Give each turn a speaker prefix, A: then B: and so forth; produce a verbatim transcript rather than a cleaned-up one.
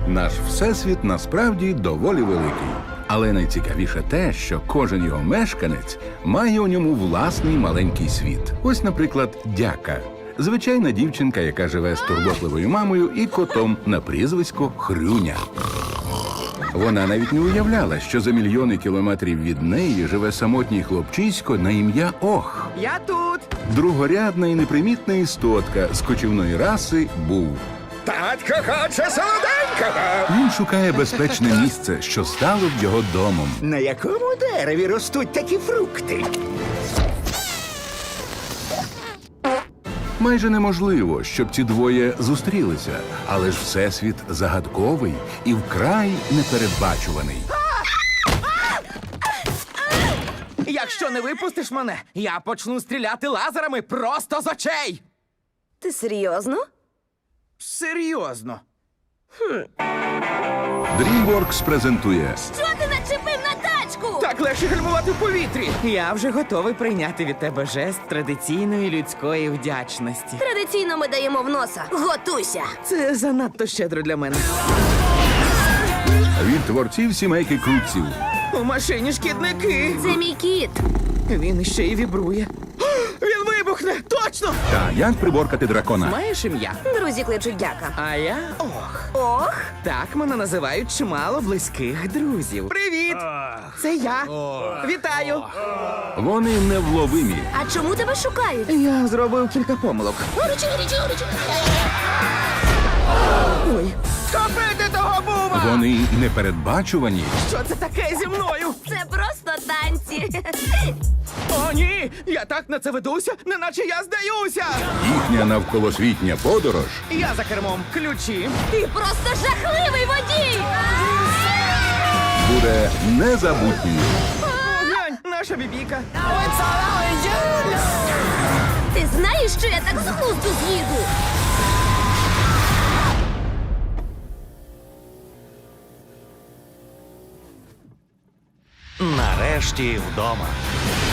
A: Наш всесвіт насправді доволі великий. Але найцікавіше те, що кожен його мешканець має у ньому власний маленький світ. Ось, наприклад, Дяка. Звичайна дівчинка, яка живе з турботливою мамою і котом на прізвисько Хрюня. Вона навіть не уявляла, що за мільйони кілометрів від неї живе самотній хлопчисько на ім'я Ох.
B: Я тут.
A: Другорядна і непримітна істотка з кочівної раси Був.
C: Татко хоче солоденького!
A: Він шукає безпечне місце, що стало б його домом.
C: На якому дереві ростуть такі фрукти?
A: Майже неможливо, щоб ці двоє зустрілися, але ж всесвіт загадковий і вкрай непередбачуваний.
B: Якщо не випустиш мене, я почну стріляти лазерами просто з очей.
D: Ти серйозно?
B: Серйозно.
A: DreamWorks презентує
D: Що ти начепив на тачку?
B: Так легше гальмувати в повітрі. Я вже готовий прийняти від тебе жест традиційної людської вдячності.
D: Традиційно ми даємо в носа. Готуйся!
B: Це занадто щедро для мене.
A: від творців сімейки Крутців.
B: У машині шкідники.
D: Це мій кіт.
B: Він ще й вібрує. Він вибухне! Точно!
A: Та як приборкати дракона.
B: Маєш ім'я?
D: Друзі кличуть Дяка.
B: А я Ох.
D: Ох,
B: Так мене називають чимало близьких друзів. Привіт! Це я. Вітаю!
A: Вони невловимі.
D: а чому тебе шукають?
B: Я зробив кілька помилок. Ой. Копити того бува!
A: Вони непередбачувані.
B: Що це таке зі мною?
D: Це просто танці.
B: О, ні! Я так на це ведуся, неначе я здаюся!
A: Їхня навколосвітня подорож
B: Я за кермом. Ключі.
D: Ти просто жахливий водій!
A: буде незабутньою.
B: Глянь, наша бібіка.
D: Ти знаєш, що я так з глузду з'їду?
E: Нарешті вдома.